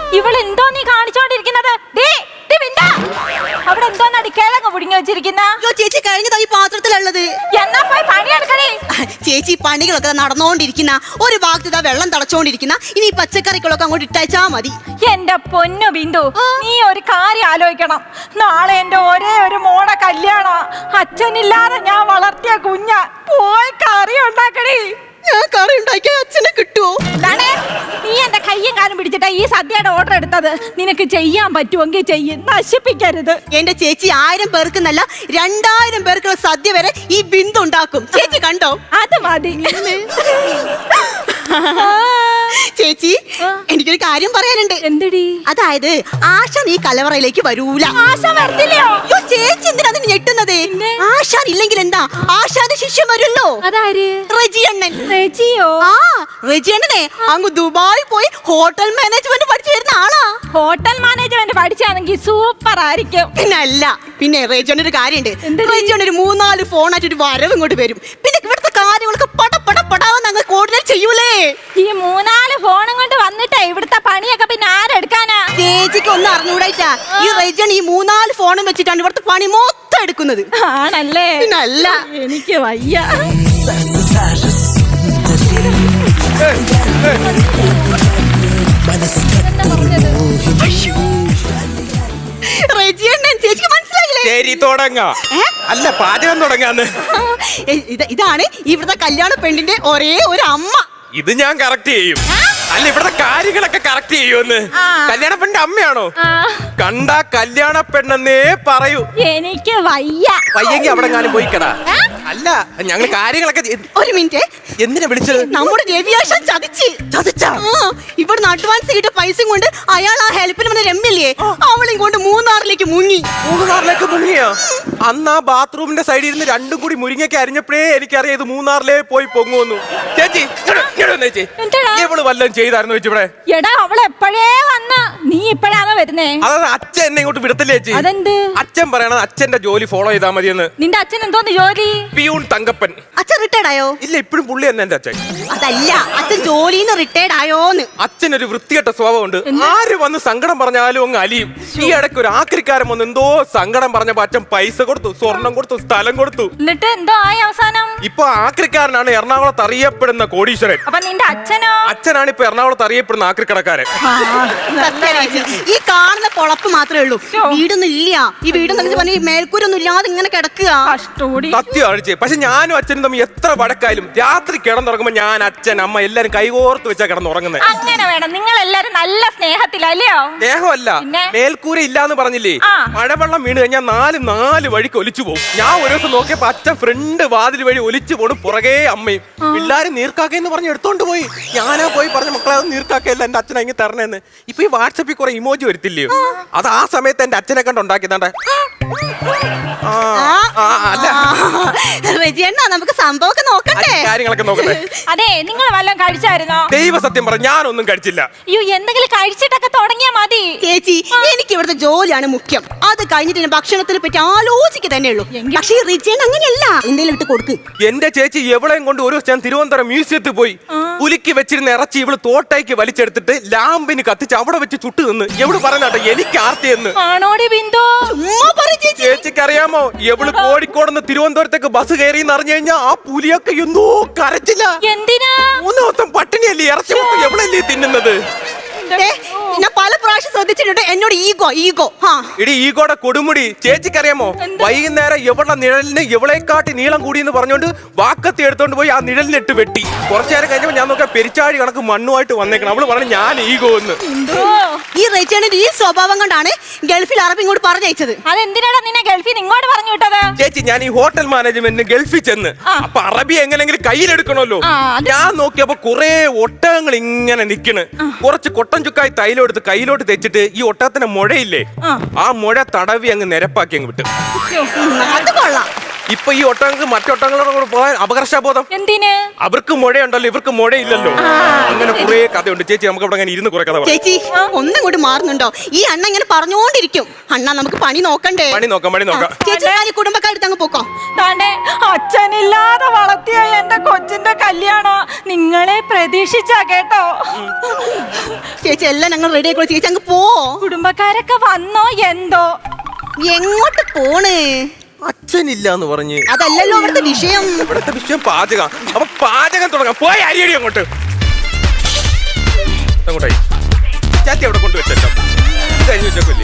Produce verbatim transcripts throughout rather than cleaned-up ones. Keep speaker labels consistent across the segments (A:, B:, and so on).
A: ഇവളെന്തോ നീ കാണിച്ചോണ്ടിരിക്കുന്നത്? അവിടെ എന്തോന്നാടി കിഴങ്ങ് പുടിങ്ങി വെച്ചിരിക്കുന്ന?
B: ചേച്ചി കഴിഞ്ഞതാ ഈ പാത്രത്തിലുള്ളത്.
A: എന്നാ പോയി പണിയെടുക്കണേ.
B: ചേച്ചി പണികളൊക്കെ നടന്നുകൊണ്ടിരിക്കുന്ന ഒരു ഭാഗത്ത് ഇതാ വെള്ളം തളച്ചോണ്ടിരിക്കുന്ന. ഇനി ഈ പച്ചക്കറികളൊക്കെ അങ്ങോട്ട് ഇട്ടയച്ചാ മതി.
A: എന്റെ പൊന്നു ബിന്ദു, നീ ഒരു കാര്യം ആലോചിക്കണം. നാളെ എന്റെ ഒരേ ഒരു മോടെ കല്യാണം. അച്ഛനില്ലാതെ ഞാൻ വളർത്തിയ കുഞ്ഞ. പോയി കറി ഉണ്ടാക്കണേ.
B: ഞാൻ കറി ഉണ്ടാക്കിയ അച്ഛനെ കിട്ടുവോ?
A: നീ എന്റെ കയ്യും കാലും പിടിച്ചിട്ടാ ഈ സദ്യയുടെ ഓർഡർ എടുത്തത്. നിനക്ക് ചെയ്യാൻ പറ്റുമെങ്കിൽ ചെയ്യ്, നശിപ്പിക്കരുത്.
B: എന്റെ ചേച്ചി ആയിരം പേർക്കെന്നല്ല രണ്ടായിരം പേർക്കുള്ള സദ്യ വരെ ഈ ബിന്ദു ഉണ്ടാക്കും. ചേച്ചി കണ്ടോ?
A: അത് മതി.
B: ചേച്ചി, എനിക്കൊരു കാര്യം പറയാനുണ്ട്.
A: എന്തടി?
B: അതായത് ആശാൻ ഈ കലവറയിലേക്ക് വരൂല.
A: ആശാൻ വരത്തില്ലയോ?
B: ചേച്ചി എന്തിനാ ഞെട്ടുന്നത്? ആശാൻ ഇല്ലെങ്കിൽ എന്താ, ആശാന്റെ ശിഷ്യം വരുമല്ലോ.
A: അതാര്?
B: റെജിയണ്ണൻ.
A: റെജിയോ?
B: ആ, റെജിയണ്ണനെ അങ്ങ് ദുബായി പോയി ഹോട്ടൽ മാനേജ്മെന്റ് പഠിച്ചു വരുന്ന ആളാ.
A: ഹോട്ടൽ മാനേജ്മെന്റ് പഠിച്ചാണെങ്കിൽ സൂപ്പർ ആയിരിക്കും.
B: പിന്നെ അല്ല, പിന്നെ റെജിയണ്ണ ഒരു കാര്യമുണ്ട്. റെജിയണ്ണ ഒരു മൂന്നാല് ഫോണായിട്ട് ഒരു വരവ് ഇങ്ങോട്ട് വരും. പിന്നെ ഇവിടുത്തെ കാര്യങ്ങളൊക്കെ പട പട പടാവെന്ന് അങ്ങ് കോർഡിനേറ്റ് ചെയ്യൂലേ.
A: ഈ മൂന്നാല് ഫോണും കൊണ്ട് വന്നിട്ടേ ഇവിടുത്തെ പണിയൊക്കെ പിന്നെ ആരെടുക്കാനാ?
B: ചേച്ചിക്ക് ഒന്നും അറിഞ്ഞൂടായിട്ടാ. ഈ റെജിയണ്ണ ഈ മൂന്നാല് ഫോണും വെച്ചിട്ടാണ് ഇവിടുത്തെ പണി മൊത്തം എടുക്കുന്നത്.
A: ആണല്ലേ?
B: പിന്നല്ല.
A: എനിക്ക് വയ്യ.
B: റെജിയണ്ണൻ ചേച്ചിക്ക് മനസ്സിലായില്ലേ?
C: ശരി, തുടങ്ങാം. അല്ല, പാചകം തുടങ്ങാന്ന്.
B: ഇതാണ് ഇവിടുത്തെ കല്യാണ പെണ്ണിന്റെ ഒരേ ഒരു അമ്മ.
C: ഇത് ഞാൻ കറക്റ്റ് ചെയ്യും. അല്ല, ഇവിടുത്തെ കാര്യങ്ങളൊക്കെ കറക്റ്റ് ചെയ്യുമെന്ന്. കല്യാണ പെണ്ണിന്റെ അമ്മയാണോ? കണ്ട കല്യാണ പെണ്ണെന്നേ പറയൂ.
A: എനിക്ക് വയ്യ.
C: വയ്യെങ്കി അവിടെ ഞാനും പോയിക്കടാ. അല്ല, ഞങ്ങൾ കാര്യങ്ങളൊക്കെ.
B: ഒരു മിനിറ്റ്,
C: എന്തിനാ വിളിച്ചത്?
B: നമ്മുടെ രവിയാശാൻ ചതിച്ച്
C: ചതിച്ചാ?
B: ഇവിടുന്ന് അഡ്വാൻസ് കിട്ടിയ പൈസയും കൊണ്ട് അയാൾ ആ ഹെൽപ്പിന് വന്ന രമ്യല്ലേ, അവളെയും കൊണ്ട് മൂന്നാറിലേക്ക് മുങ്ങി.
C: മൂന്നാറിലേക്ക് മുങ്ങിയോ? അന്ന് ആ ബാത്റൂമിന്റെ സൈഡിൽ ഇരുന്ന് രണ്ടും കൂടി മുരിങ്ങയ്ക്ക് അരിഞ്ഞപ്പോഴേ എനിക്കറിയാം ഇത് മൂന്നാറിലേ പോയി പൊങ്ങുന്നു. ചേച്ചി, ചേച്ചി ഇവള് വല്ലതും ചെയ്തായിരുന്നു വെച്ച് ഇവിടെ?
A: എടാ, അവള് എപ്പോഴേ വന്ന, നീ ഇപ്പഴാണോ വരുന്നേ?
C: അതാണ് അച്ഛൻ എന്നെ ഇങ്ങോട്ട് വിടത്തില്ലേ ചേച്ചി?
A: അതെന്ത്?
C: അച്ഛൻ പറയണത് അച്ഛന്റെ ജോലി ഫോളോ ചെയ്താൽ മതിയെന്ന്.
A: നിന്റെ അച്ഛൻ എന്തോന്ന് ജോലി?
C: പിയൂൺ തങ്കപ്പൻ.
B: അച്ഛൻ റിട്ടയർഡ് ആയോ?
C: ഇല്ല, ഇപ്പോഴും പുള്ളി തന്നെ എന്റെ അച്ഛൻ.
B: അതല്ല, അച്ഛൻ ജോലിന്ന് റിട്ടയർഡ് ആയോന്ന്.
C: അച്ഛൻ ഒരു വൃത്തികെട്ട സ്വഭാവമുണ്ട്. ആര് വന്ന് സങ്കടം പറഞ്ഞാലും അങ്ങ് അലിയും. ഈ ഇടയ്ക്ക് ഒരു ആക്രിക്കാരൻ വന്ന് എന്തോ സങ്കടം പറഞ്ഞപ്പോ അച്ഛൻ പൈസ കൊടുത്തു, സ്വർണം കൊടുത്തു, സ്ഥലം കൊടുത്തു.
A: എന്നിട്ട് എന്തോ ആയി അവസാനം?
C: ഇപ്പൊ ആക്രിക്കാരനാണ് എറണാകുളത്ത് അറിയപ്പെടുന്ന കോടീശ്വരൻ.
A: അപ്പൊ നിന്റെ അച്ഛനോ?
C: അച്ഛനാണ് ഇപ്പൊ എറണാകുളത്ത് അറിയപ്പെടുന്ന ആക്രിക്കടക്കാരൻ.
B: ഈ കാണുന്ന പൊളപ്പ് മാത്രമേ ഉള്ളൂ, വീടൊന്നും ഇല്ല. ഈ വീടെന്ന് പറഞ്ഞ മേൽക്കൂരൊന്നും ഇല്ലാതെ ഇങ്ങനെ കിടക്കുക.
C: സത്യം അഴിച്ച്. പക്ഷെ ഞാനും അച്ഛനും തമ്മിൽ എത്ര വടക്കായാലും രാത്രി കിടന്നുറങ്ങുമ്പോ ഞാൻ, അച്ഛൻ, അമ്മ എല്ലാരും കൈകോർത്ത് വെച്ചാ കിടന്നുറങ്ങുന്നത്.
A: അങ്ങനെ വേണം. നിങ്ങൾ എല്ലാരും നല്ല സ്നേഹത്തിലല്ലയോ?
C: സ്നേഹമല്ല, മേൽക്കൂര ഇല്ലാന്ന് പറഞ്ഞില്ലേ? മഴവെള്ളം വീണ് കഴിഞ്ഞാൽ നാല് നാല് വഴിക്ക് ഒലിച്ചു പോകും. ഞാൻ ഒരു ദിവസം നോക്കിയപ്പോ അച്ഛൻ ഫ്രണ്ട് വാതിൽ വഴി ഒലിച്ചു പോണു, പുറകെ അമ്മയും. പിള്ളേരും നീർക്കാക്കെന്ന് പറഞ്ഞ് എടുത്തോണ്ട് പോയി. ഞാനാ പോയി പറഞ്ഞ മക്കളെ അത് നീർക്കാക്കയല്ല, എന്റെ അച്ഛൻ അങ്ങ് തരണേന്ന്. ഇപ്പൊ ഈ വാട്സപ്പിൽ കുറെ ഇമോജി വരത്തില്ലയോ? അത് ആ സമയത്ത് എന്റെ അച്ഛനെ കണ്ട് ഉണ്ടാക്കിയതാണ്ടേ.
B: നമുക്ക് സംഭവമൊക്കെ നോക്കണ്ടേ?
C: കാര്യങ്ങളൊക്കെ നോക്കട്ടെ.
A: അതെ, നിങ്ങൾ വല്ലതും കഴിച്ചായിരുന്നോ?
C: ദൈവ സത്യം പറ, ഞാനൊന്നും കഴിച്ചില്ല.
A: അയ്യോ, എന്തെങ്കിലും കഴിച്ചിട്ടൊക്കെ തുടങ്ങിയാ മതി.
B: ചേച്ചി, എനിക്ക് ഇവിടുത്തെ ജോലിയാണ് മുഖ്യം. അത് കഴിഞ്ഞിട്ട് ഭക്ഷണത്തിനെ പറ്റി ആലോചിക്കുക തന്നെ ഉള്ളൂ. പക്ഷേ റിജൻ അങ്ങനെയല്ല, എന്തെങ്കിലും ഇട്ട് കൊടുക്ക്.
C: എന്റെ ചേച്ചി എവളെയും കൊണ്ട് ഒരു ഞാൻ തിരുവനന്തപുരം മ്യൂസിയത്തിൽ പോയി. പുലിക്ക് വെച്ചിരുന്ന ഇറച്ചി ഇവള് തോട്ടയ്ക്ക് വലിച്ചെടുത്തിട്ട് ലാമ്പിന് കത്തിച്ച് അവിടെ വെച്ച് ചുട്ടു നിന്ന്. എവള് പറഞ്ഞാട്ടെ എനിക്ക് ആർത്തിയെന്ന്.
A: ആണോടി ബിന്ദു?
C: ചേച്ചിക്ക് അറിയാമോ, എവള് കോഴിക്കോടുന്ന് തിരുവനന്തപുരത്തേക്ക് ബസ് കയറി എന്ന് അറിഞ്ഞു കഴിഞ്ഞാൽ ആ പുലിയൊക്കെ എന്തോ കരച്ചില്ല.
A: എന്തിനാ?
C: മൂന്ന് ദിവസം പട്ടിണിയല്ലേ, ഇറച്ചി എവളല്ലേ തിന്നുന്നത്?
B: ഞാൻ പല പ്രാവശ്യം ശ്രദ്ധിച്ചിട്ടുണ്ട് എന്നോട് ഈഗോ ഈഗോ
C: ഇടി ഈഗോടെ കൊടുമുടി. ചേച്ചിക്കറിയാമോ, വൈകുന്നേരം എവിടെ നിഴലിന് എവളെക്കാട്ടി നീളം കൂടിയെന്ന് പറഞ്ഞോണ്ട് വാക്കത്തി എടുത്തോണ്ട് പോയി ആ നിഴലിനിട്ട് വെട്ടി. കുറച്ചു നേരം കഴിഞ്ഞപ്പോ ഞാൻ നോക്കിയാ പെരിച്ചാഴി കണക്ക് മണ്ണുമായിട്ട് വന്നേക്കണം. അവള് പറഞ്ഞു ഞാൻ ഈഗോ എന്ന്.
B: ഈ റെജിയണ്ണന്റെ ഈ സ്വഭാവം കൊണ്ടാണ് ഗൾഫിൽ അറബി ഇങ്ങോട്ട് പറഞ്ഞയച്ചത്.
A: അതെന്തിനാണ് നിന്നെ ഗൾഫിൽ ഇങ്ങോട്ട് പറഞ്ഞു വിട്ടത്?
C: ചേച്ചി, ഞാൻ ഈ ഹോട്ടൽ മാനേജ്മെന്റിന് ഗൾഫിൽ ചെന്ന് അപ്പൊ അറബി എങ്ങനെങ്കിലും കയ്യിലെടുക്കണമല്ലോ. ഞാൻ നോക്കിയപ്പോ കുറെ ഒട്ടകങ്ങൾ ഇങ്ങനെ നിക്കണ്. കുറച്ച് കൊട്ടൻ ചുക്കായി തൈലം എടുത്ത് കയ്യിലോട്ട് തെച്ചിട്ട് ഈ ഒട്ടകത്തിന്റെ മുഴയില്ലേ, ആ മുഴ തടവി അങ്ങ് നിരപ്പാക്കി അങ്ങ് വിട്ടു.
B: അത് കൊള്ളാം.
C: ഇപ്പൊ ഈ ഒട്ടങ്ങൾക്ക് മറ്റൊട്ടങ്ങളോട് കൂടെ പോകാൻ അപകർഷബോധം.
A: എന്തിന്?
C: അവർക്ക് മുഴയുണ്ടല്ലോ, ഇവർക്ക് മുഴയില്ലല്ലോ. അങ്ങനെ കുറെ കഥയുണ്ട് ചേച്ചി. നമുക്ക് ഇവിടെ അങ്ങനെ ഇരുന്ന് കുറെ കഥ പറയാം.
B: ചേച്ചി ഒന്നും കൂടി മാറുന്നുണ്ടോ? ഈ അണ്ണ ഇങ്ങനെ പറഞ്ഞുകൊണ്ടിരിക്കും. അണ്ണ നമുക്ക് പണി നോക്കണ്ടേ?
C: പണി നോക്കാം, പണി നോക്കാം.
B: ചേച്ചി ഞാൻ കുടുംബക്കാരെടുത്ത് അങ്ങ് പോക്കോ.
A: താണ്ടെ അച്ഛനില്ലാതെ വളർത്തിയ എന്റെ കൊച്ചിന്റെ കല്യാണം നിങ്ങളെ പ്രതീക്ഷിച്ചാ കേട്ടോ.
B: ചേച്ചി എല്ലാം ഞങ്ങൾ റെഡി ആയിക്കോളൂ. ചേച്ചി അങ്ങ് പോ.
A: കുടുംബക്കാരൊക്കെ വന്നോ എന്തോ?
B: എങ്ങോട്ട് പോണ്?
C: അച്ഛനില്ല എന്ന് പറഞ്ഞ്.
B: അതല്ലല്ലോ ഇവിടുത്തെ വിഷയം.
C: ഇവിടുത്തെ വിഷയം പാചകം. അപ്പൊ പാചകം തുടങ്ങാം. പോയി അരിയടി അങ്ങോട്ട്. അങ്ങോട്ടായി ചാത്തി അവിടെ കൊണ്ടുവച്ചല്ലോ. ഇത് കഴിഞ്ഞ് വെച്ചേക്കല്ലേ.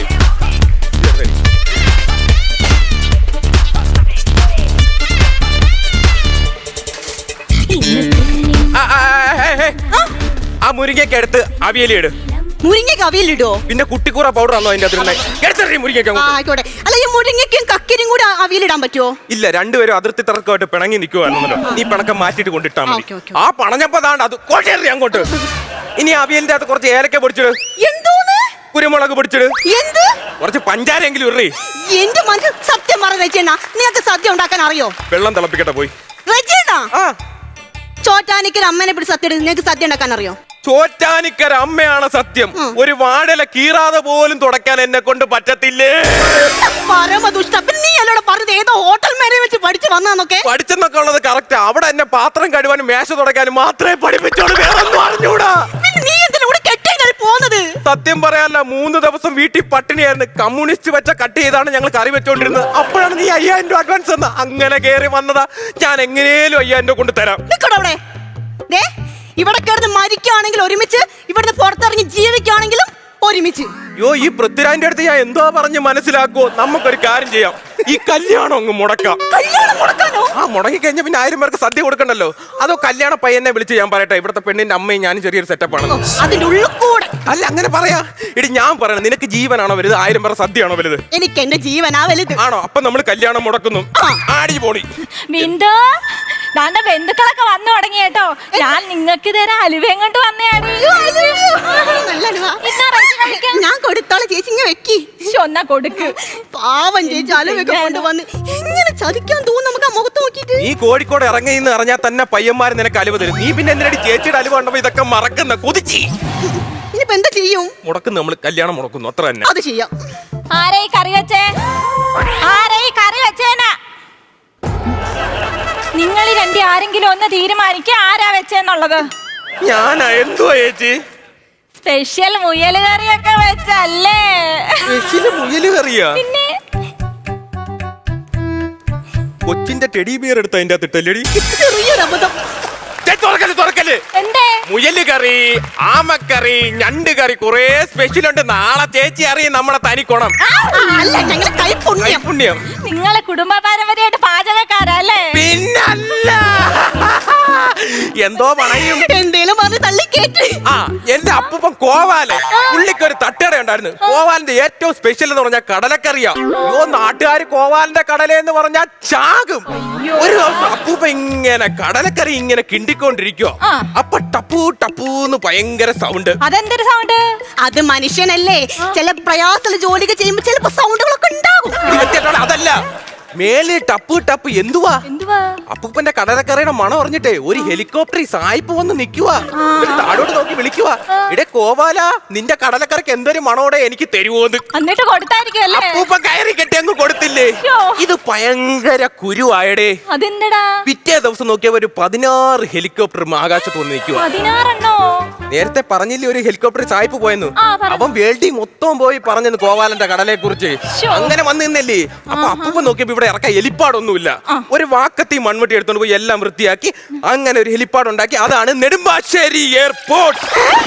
C: ആ മുരിങ്ങയ്ക്ക് എടുത്ത് അവിയലിട്.
B: മുരിങ്ങയ്ക്ക് അവിയലിടോ?
C: പിന്നെ കുട്ടിക്കൂറ പൗഡർ ആണോ അതിന്റെ അകത്ത്? മുരിങ്ങയ്ക്ക്
B: ആയിക്കോട്ടെ. അല്ല ഈ മുരിങ്ങയ്ക്കും കക്കരിയും കൂടി അവിയലിടാൻ പറ്റുമോ?
C: ഇല്ല, രണ്ടുപേരും അതിർത്തി തർക്കമായിട്ട് പിണങ്ങി നിൽക്കുവായിരുന്നല്ലോ. നീ പിണക്കം മാറ്റിട്ട് കൊണ്ടിട്ടാ മതി. ആ പണഞ്ഞപ്പോ താണ്ട് അത് കൊണ്ടേറി അങ്ങോട്ട്. ഇനി അവിയലിന്റെ അകത്ത് കുറച്ച് ഏലക്ക പൊടിച്ചിട്.
B: എന്തോന്ന്?
C: കുരുമുളക് പൊടിച്ചിട്.
B: എന്ത്?
C: കുറച്ച് പഞ്ചാരെങ്കിലും ഇറേ.
B: എന്റെ മനസ്സിൽ സത്യം പറഞ്ഞ രചന, നിനക്ക് സദ്യ ഉണ്ടാക്കാൻ അറിയോ?
C: വെള്ളം തിളപ്പിക്കട്ടെ പോയി.
B: രചന
C: ആ
B: ചോറ്റാനിക്കൽ അമ്മനെ പിടിച്ച് സത്യം എടുത്ത് നിനക്ക് സദ്യ ഉണ്ടാക്കാൻ അറിയോ?
C: ചോറ്റാനിക്കര അമ്മയാണ് സത്യം. ഒരു വാടല കീറാതെ പോലും തുടക്കാൻ എന്നെ കൊണ്ട് പറ്റത്തില്ലേ.
B: പരമദുഷ്ട. നീ അല്ലോടെ പറഞ്ഞത് ഏതോ ഹോട്ടൽ മേലെ വെച്ച് പഠിച്ചു വന്നൊക്കെ?
C: പഠിച്ചെന്നൊക്കെ ഉള്ളത് കറക്റ്റ്. അവിടെ എന്നെ പാത്രം കഴുകാനും മേശ തുടക്കാനും മാത്രമേ പഠിപ്പിച്ചോളൂ, വേറെ ഒന്നും അറിഞ്ഞൂടാ.
B: നീ എന്തിനാ ഇവിടെ കെട്ടിയാണ് പോകുന്നത്?
C: സത്യം പറയാനല്ല, മൂന്ന് ദിവസം വീട്ടിൽ പട്ടിണിയായിരുന്നു. കമ്മ്യൂണിസ്റ്റ് വെച്ച കട്ട് ചെയ്താണ് ഞങ്ങൾ കറി വെച്ചോണ്ടിരുന്നത്. അപ്പോഴാണ് നീ അയ്യായിരം രൂപ അഡ്വാൻസ് തന്ന. അങ്ങനെ കയറി വന്നതാ. ഞാൻ എങ്ങനെയും അയ്യായിരം രൂപ കൊണ്ട് തരാം.
B: നിക്കടവിടെ. ഇവിടെ കിടന്ന് മരിക്കുകയാണെങ്കിൽ ഒരുമിച്ച്, ഇവിടുന്ന് പുറത്തിറങ്ങി ജീവിക്കുകയാണെങ്കിലും ഒരുമിച്ച്.
C: യോ ഈ പൃഥ്വിരാജിന്റെ അടുത്ത് ഞാൻ എന്തോ പറഞ്ഞ് മനസ്സിലാക്കുവോ? നമുക്കൊരു കാര്യം ചെയ്യാം, ഈ കല്യാണം അങ്ങ് മുടക്കാം.
B: കല്യാണം മുടക്കാനോ?
C: ആ മുടങ്ങി കഴിഞ്ഞ പിന്നെ ആയിരം പേർക്ക് സദ്യ കൊടുക്കണ്ടല്ലോ. അതോ കല്യാണ പയ്യനെ വിളിച്ച് ഞാൻ പറയട്ടെ, ഇവിടുത്തെ പെണ്ണിന്റെ അമ്മയും ഞാനും ചെറിയൊരു സെറ്റപ്പ് ആണ്.
B: അതിന്റെ ഉള്ളിൽ കൂടെ
C: അല്ല അങ്ങനെ പറയാ. ഇടി ഞാൻ പറയണം, നിനക്ക് ജീവനാണോ വലുത്, ആയിരം പേർ സദ്യയാണോ വലുത്?
B: എനിക്ക് എന്റെ ജീവനാ വലുത്.
C: ആണോ? അപ്പൊ നമ്മൾ കല്യാണം മുടക്കുന്നു. ആടി പോടി.
A: ബിന്ദു, ദാണ്ട ബന്ധുക്കളൊക്കെ വന്നു തുടങ്ങി കേട്ടോ. ഞാൻ നിങ്ങൾക്ക് തരാം അലുവയും കൊണ്ട് വന്നയാണ്.
B: ഞാൻ കൊടുത്തോളെ ചേച്ചി, ഇങ്ങനെ വെക്കി.
A: ഒന്നാ കൊടുക്ക്.
B: പാവം ചേച്ചി അലുവയൊക്കെ കൊണ്ടുവന്ന് എങ്ങനെ ചതിക്കാൻ തോന്നുന്നു നമുക്ക് ആ മുഖത്ത് നോക്കിട്ട്.
C: നീ കോഴിക്കോട് ഇറങ്ങിന്ന് അറിഞ്ഞാൽ തന്നെ പയ്യന്മാർ നിനക്ക് അലുവ തരും. നീ പിന്നെ എന്തിനാടി ചേച്ചിയുടെ അലുവ കണ്ടപ്പോ ഇതൊക്കെ മറക്കുന്ന കൊതിച്ചി.
B: ഇനിയിപ്പോ എന്താ ചെയ്യും?
C: മുടക്കുന്നു, നമ്മൾ കല്യാണം മുടക്കുന്നു, അത്ര തന്നെ.
B: അത് ചെയ്യാം.
A: ആരെ കറി വെച്ചേ? ആരെ കറി വെച്ചേനാ? നിങ്ങൾ രണ്ടി ആരെങ്കിലും ഒന്ന് തീരുമാനിക്കുക ആരാ വെച്ചെന്നുള്ളത്.
C: ഞാനാ? എന്തുവാ ചേച്ചി?
A: സ്പെഷ്യൽ മുയല് കറിയൊക്കെ വെച്ചല്ലേ?
C: മുയല് കറിയാ?
A: പിന്നെ
C: കൊച്ചിന്റെ ടെഡി ബിയർ എടുത്ത അതിന്റെ അകത്ത് ഇട്ടല്ലേടി?
B: ചെറിയൊരു അബദ്ധം.
C: തുറക്കല് തുറക്കല്.
A: എന്തേ?
C: മുയല് കറി, ആമക്കറി, ഞണ്ട് കറി, കുറെ സ്പെഷ്യൽ ഉണ്ട്. നാളെ ചേച്ചി അറിയും നമ്മുടെ തനിക്കോണം.
B: അല്ല, ഞങ്ങളെ കൈപുണ്യം.
C: പുണ്യം.
A: നിങ്ങളെ കുടുംബ പാരമ്പര്യമായിട്ട് പാചകക്കാരല്ലേ?
C: പിന്നല്ല. എന്തോ പണയും
B: എന്തേലും പറഞ്ഞ് തള്ളി കേട്ട്.
C: ആ എന്റെ അപ്പൂപ്പൻ കോവാല്, പുള്ളിക്കൊരു തട്ടുകട ഉണ്ടായിരുന്നു. കോവാലിന്റെ ഏറ്റവും സ്പെഷ്യൽ എന്ന് പറഞ്ഞാൽ കടലക്കറിയാ. അയ്യോ, നാട്ടുകാർ കോവാലിന്റെ കടല എന്ന് പറഞ്ഞാൽ ചാകും. ഒരു ദിവസം അപ്പൂപ്പ ഇങ്ങനെ കടലക്കറി ഇങ്ങനെ കിണ്ടിക്കൊണ്ടിരിക്കോ. അപ്പൊ ടപ്പൂ ടപ്പൂന്ന് ഭയങ്കര സൗണ്ട്.
A: അതെന്തൊരു സൗണ്ട്?
B: അത് മനുഷ്യനല്ലേ, ചില പ്രയാസമുള്ള ജോലികൾ ചെയ്യുമ്പോ ചിലപ്പോ സൗണ്ടുകളൊക്കെ ഉണ്ടാകും.
C: അതല്ല, മേലെ ടപ്പ് ടപ്പ്. എന്തുവാ?
A: എന്തുവാ?
C: അപ്പൂപ്പന്റെ കടലക്കറിയുടെ മണം അറിഞ്ഞിട്ടേ ഒരു ഹെലികോപ്റ്റർ സായിപ്പ് വന്ന് നിക്കുവാ. താഴോട്ട് നോക്കി വിളിക്കുവാ, ഇടെ കോവാല, നിന്റെ കടലക്കറിക്ക് എന്തൊരു മണോടെ എനിക്ക് തരുവോന്ന്.
A: എന്നിട്ട് കൊടുത്തായിരിക്കുമല്ലേ?
C: അപ്പൂപ്പൻ കയറി കെട്ടി അങ്ങ് കൊടുത്തില്ലേ. ഇത് ഭയങ്കര കുരുവായടേ.
A: അതെന്തടാ?
C: പിറ്റേ ദിവസം നോക്കിയപ്പോ ഒരു പതിനാറ് ഹെലികോപ്റ്റർ ആകാശത്ത് വന്ന് നിൽക്കുവാ.
A: പതിനാറെണ്ണോ?
C: നേരത്തെ പറഞ്ഞില്ലേ ഒരു ഹെലികോപ്റ്റർ സായിപ്പ് പോയെന്ന്. അവൻ വേൾഡി മൊത്തം പോയി പറഞ്ഞെന്ന് കോവാലന്റെ കടലയെ കുറിച്ച്. അങ്ങനെ വന്നു നിന്നല്ലേ. അപ്പൊ അപ്പൂപ്പൻ നോക്കിയപ്പോ ഇവിടെ ഇറക്കാൻ ഹെലിപ്പാടൊന്നുമില്ല. ഒരു വാക്കത്തി മൺവെട്ടി എടുത്തോണ്ട് പോയി എല്ലാം വൃത്തിയാക്കി അങ്ങനെ ഒരു ഹെലിപ്പാഡ് ഉണ്ടാക്കി. അതാണ് നെടുമ്പാശ്ശേരി എയർപോർട്ട്.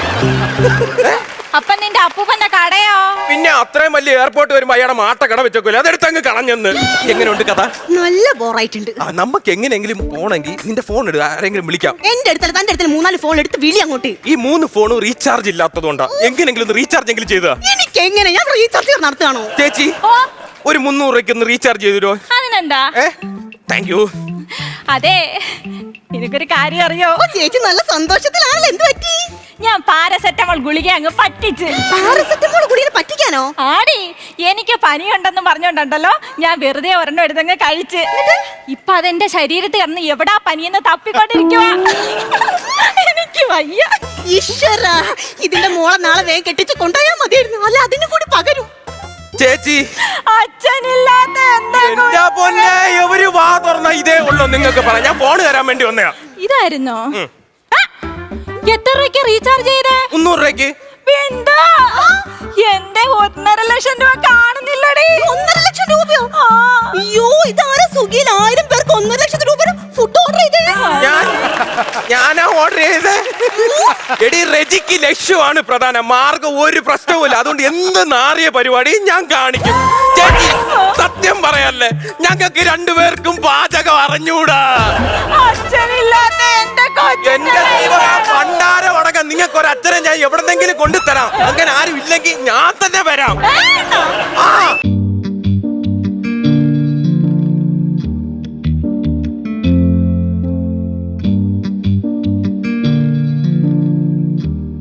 A: അപ്പൊ നിന്റെ അപ്പൂപ്പന്റെ കടയോ?
C: പിന്നെ അത്രയും വലിയ എയർപോർട്ട് വരുമ്പോ അയാളെ മാട്ട കട വെച്ചോക്കൂല, അതെടുത്ത് അങ്ങ് കളഞ്ഞെന്ന്. എങ്ങനെയുണ്ട് കഥ?
B: നല്ല ബോറായിട്ടുണ്ട്.
C: നമുക്ക് എങ്ങനെയെങ്കിലും പോണെങ്കിൽ നിന്റെ ഫോൺ എടുത്ത് ആരെങ്കിലും വിളിക്കാം.
B: എന്റെ അടുത്തല്ല, തന്റെ അടുത്ത് മൂന്നാല് ഫോൺ എടുത്ത് വിളി അങ്ങോട്ട്.
C: ഈ മൂന്ന് ഫോണും റീചാർജ് ഇല്ലാത്തതുകൊണ്ടാ. എങ്ങനെയെങ്കിലും ഒന്ന് റീചാർജ് എങ്കിലും ചെയ്താ.
B: എനിക്ക് എങ്ങനെ? ഞാൻ റീചാർജ് നടത്തുകയാണോ?
C: ചേച്ചി ഒരു മുന്നൂറ് രൂപയ്ക്ക് ഒന്ന് റീചാർജ് ചെയ്തോ.
A: അതിനെന്താ?
C: ഏ താങ്ക് യു.
A: അതെ, എനിക്കൊരു കാര്യം അറിയോ?
B: ചേച്ചി നല്ല സന്തോഷത്തിലാണല്ലോ. എന്ത് പറ്റി?
A: ഞാൻ പാരസെറ്റമോൾ ഗുളിക അങ്ങ് പറ്റിച്ച്.
B: പാരസെറ്റമോൾ ഗുളിക എന്നെ പറ്റിക്കാനോ?
A: ആടി, എനിക്ക് പനിയുണ്ടെന്ന് പറഞ്ഞോണ്ടല്ലോ ഞാൻ വെറുതെ ഒരെണ്ണം എടുത്തങ്ങ് കഴിച്ച്. ഇപ്പൊ അതെന്റെ ശരീരത്തിൽ കിടന്ന് എവിടാ പനിയെന്ന് തപ്പിക്കൊണ്ടിരിക്കുവാ. എനിക്ക് വയ്യ.
B: ഈശ്വര, ഇതിന്റെ മോളെ നാളെ വേഗം കെട്ടിച്ച് കൊണ്ടുപോയാൽ മതിയായിരുന്നു. അല്ല അതിന് കൂടി പകരും.
C: ചേച്ചി,
A: അച്ഛനില്ലാത്ത എന്താ
C: എന്റെ പൊന്നെ, എവര് വാ തുറന്ന ഇതേ ഉള്ളൂ നിങ്ങൾക്ക് പറയാം. ഞാൻ ഫോണ് തരാൻ വേണ്ടി വന്നയാ.
A: ഇതായിരുന്നോ? എത്ര രൂപയ്ക്ക് റീചാർജ് ചെയ്തേ?
C: മുന്നൂറ് രൂപയ്ക്ക്.
A: എന്താ എന്റെ ഒന്നര ലക്ഷം രൂപ കാണുന്നില്ലടി.
B: ഒന്നര ലക്ഷം രൂപയോ? അയ്യോ, ഇതാരാ സുഖിയിൽ ആയിരം പേർക്ക് ഒന്നര ലക്ഷം രൂപ ഫുഡ് ഓർഡർ ചെയ്തേ?
C: ഞാൻ ഞാനാ ഓർഡർ ചെയ്തേ. എടി, റെജിക്ക് ലക്ഷ്യമാണ് പ്രധാന മാർഗം. ഒരു പ്രശ്നവുമില്ല. അതുകൊണ്ട് എന്ത് നാറിയ പരിപാടി ഞാൻ കാണിക്കും. ചേച്ചി, സത്യം പറയല്ലേ, ഞങ്ങൾക്ക് രണ്ടുപേർക്കും പാചകം അറിഞ്ഞൂടാ.
A: അച്ഛനില്ലാത്ത എന്റെ
C: എന്റെ പണ്ടാരം അടക്കം നിങ്ങൾക്ക് ഒരു അച്ഛനെ ഞാൻ എവിടെന്നെങ്കിലും കൊണ്ടുതരാം. അങ്ങനെ ആരും ഇല്ലെങ്കിൽ ഞാൻ തന്നെ വരാം.